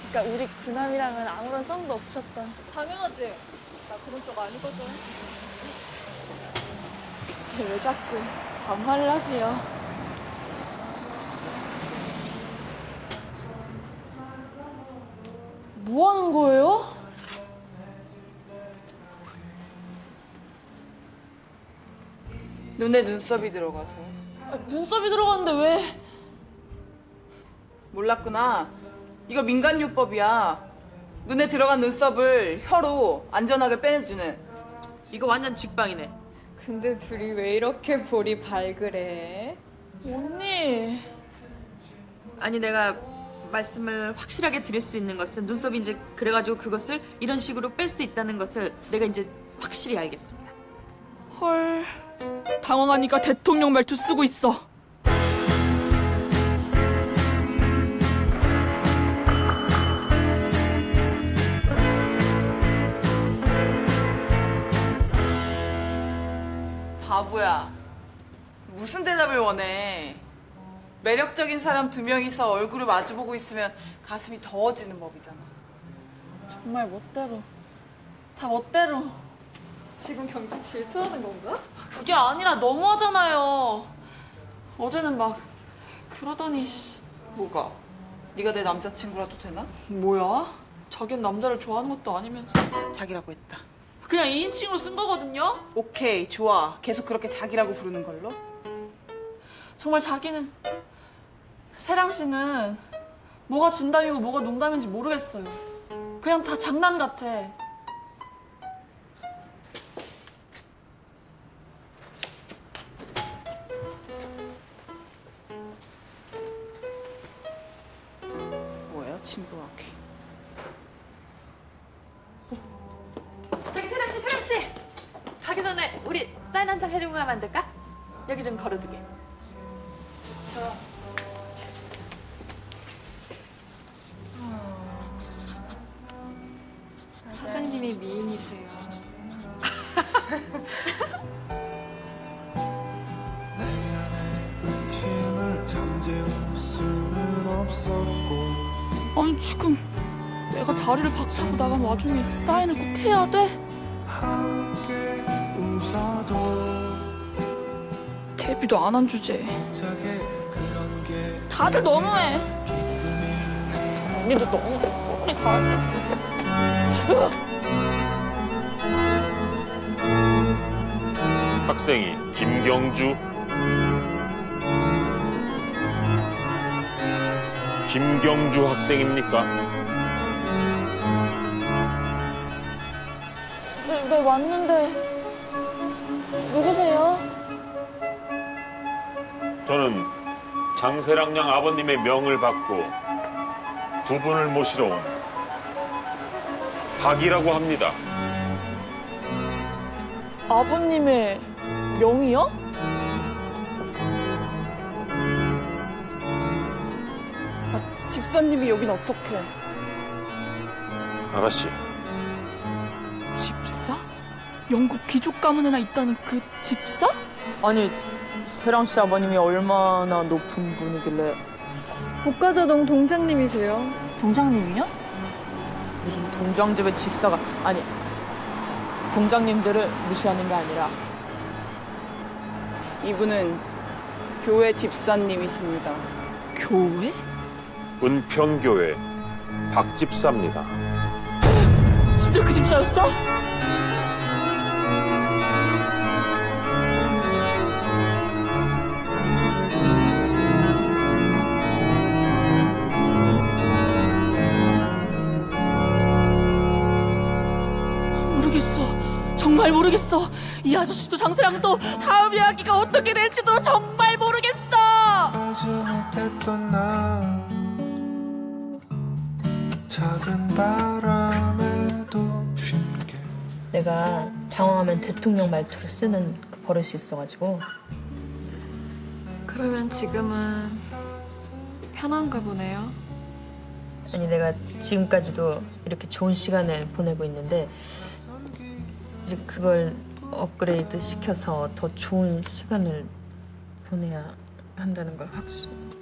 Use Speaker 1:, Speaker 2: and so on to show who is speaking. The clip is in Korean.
Speaker 1: 그러니까 우리 그남이랑은 아무런 썸도 없으셨다.
Speaker 2: 당연하지. 나 그런 쪽 아니거든.
Speaker 1: 근데 왜 자꾸 반말을 하세요? 뭐 하는 거예요?
Speaker 3: 눈에 눈썹이 들어가서.
Speaker 1: 아, 눈썹이 들어갔는데 왜?
Speaker 3: 몰랐구나. 이거 민간요법이야. 눈에 들어간 눈썹을 혀로 안전하게 빼내주는.
Speaker 4: 이거 완전 직방이네.
Speaker 2: 근데 둘이 왜 이렇게 볼이 발그레?
Speaker 1: 언니.
Speaker 4: 아니 내가 말씀을 확실하게 드릴 수 있는 것은 눈썹이 이제 그래가지고 그것을 이런 식으로 뺄 수 있다는 것을 내가 이제 확실히 알겠습니다.
Speaker 1: 헐. 당황하니까 대통령 말투 쓰고 있어.
Speaker 3: 바보야. 무슨 대답을 원해? 매력적인 사람 두 명이서 얼굴을 마주보고 있으면 가슴이 더워지는 법이잖아.
Speaker 1: 정말 멋대로. 다 멋대로.
Speaker 2: 지금 경주 질투하는 건가?
Speaker 1: 그게 아니라 너무하잖아요. 어제는 막 그러더니 씨.
Speaker 3: 뭐가? 네가 내 남자친구라도 되나?
Speaker 1: 뭐야? 자기는 남자를 좋아하는 것도 아니면서
Speaker 3: 자기라고 했다.
Speaker 1: 그냥 2인칭으로 쓴 거거든요?
Speaker 3: 오케이, 좋아. 계속 그렇게 자기라고 부르는 걸로?
Speaker 1: 정말 자기는 세랑 씨는 뭐가 진담이고 뭐가 농담인지 모르겠어요. 그냥 다 장난 같아.
Speaker 3: 뭐야, 친구하기.
Speaker 4: 저기 세랑 씨 가기 전에 우리 사인 한 장 해주고 가면 안 될까? 여기 좀 걸어두게.
Speaker 3: 저
Speaker 2: 사장님이 미인이세요.
Speaker 5: 의심을 잠재울 수는 없었고
Speaker 1: 아니 지금 내가 자리를 박차고 나간 와중에 사인을 꼭 해야 돼?
Speaker 5: 함께 웃어도
Speaker 1: 데뷔도 안 한 주제에
Speaker 5: 자게 그런 게
Speaker 1: 다들 너무해. 언니도 너무 우리 다
Speaker 6: 학생이 김경주 학생입니까?
Speaker 1: 네, 왔는데 누구세요?
Speaker 6: 저는 장세랑 양 아버님의 명을 받고 두 분을 모시러 온 박이라고 합니다.
Speaker 1: 아버님의 명이요?
Speaker 3: 집사님이 여긴 어떡해?
Speaker 6: 아가씨,
Speaker 1: 집사? 영국 귀족 가문에나 있다는 그 집사?
Speaker 7: 아니, 세랑 씨 아버님이 얼마나 높은 분이길래
Speaker 2: 국가자동 동장님이세요.
Speaker 1: 동장님이요?
Speaker 7: 무슨 동장집의 집사가 아니 동장님들을 무시하는 게 아니라
Speaker 3: 이분은 교회 집사님이십니다.
Speaker 1: 교회?
Speaker 6: 은평교회 박집사입니다.
Speaker 1: 진짜 그 집사였어? 모르겠어. 정말 모르겠어. 이 아저씨도 장세랑도 다음 이야기가 어떻게 될지도 정말 모르겠어.
Speaker 5: 알지 못했던 난 작은 바람에도 쉽게
Speaker 8: 내가 당황하면 대통령 말투를 쓰는 그 버릇이 있어가지고.
Speaker 2: 그러면 지금은 편한가 보네요.
Speaker 8: 아니 내가 지금까지도 이렇게 좋은 시간을 보내고 있는데 이제 그걸 업그레이드 시켜서 더 좋은 시간을 보내야 한다는 걸 확신.